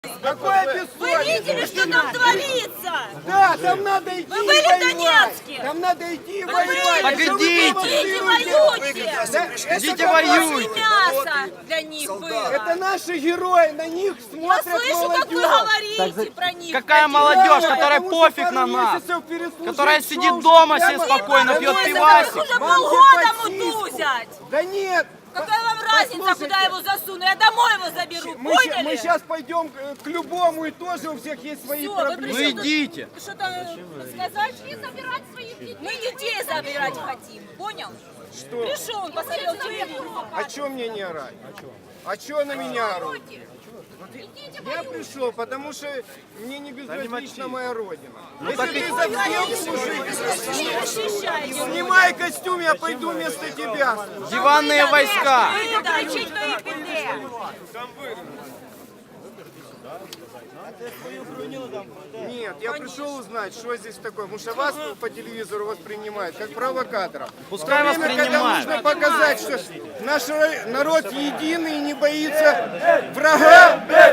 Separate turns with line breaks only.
Какое
Вы
бессовестное?
видели, что там творится?
Да, там надо идти
Вы были в
воевать.
Донецке?
Там надо идти
Вы
воевать.
были?
А что вы
Идите.
Идите,
провоцируете?
воюйте!
Да,
Идите,
это
воюйте.
После мяса для них было.
Это наши герои, на них
Я
смотрят
слышу, как вы
молодежь.
говорите про них.
Какая
про
молодежь,
Да,
которая
потому что
пофиг
пару
на нас,
месяцев переслужить
которая
шоу,
сидит дома себе
прямо-
спокойно,
Да
пьет
нет,
пивасик.
Уже
Вам
полгода
где
мутузять.
Да нет.
Какая вам разница,
Послушайте,
куда его засуну? Я домой его заберу,
Мы
поняли?
сейчас пойдем к любому, и тоже у всех есть свои
Всё, вы
проблемы.
Ну
пришли тут
идите.
что-то сказать? Забирать своих детей. Мы детей забирать хотим, понял?
Что?
Пришел, он посмотрел телевизор.
А чё мне не орать? А чё на меня орут? Я пришел, потому что мне не безразлична моя родина. Если ты завсел служить,
Не защищайте.
снимай костюм, я пойду вместо тебя.
Диванные войска.
Кричить, хто їх піде.
Нет, я пришел узнать, что здесь такое. Потому что вас по телевизору воспринимают как провокатора.
Пускай
В то время, когда
воспринимают.
нужно показать, что наш народ единый и не боится врага,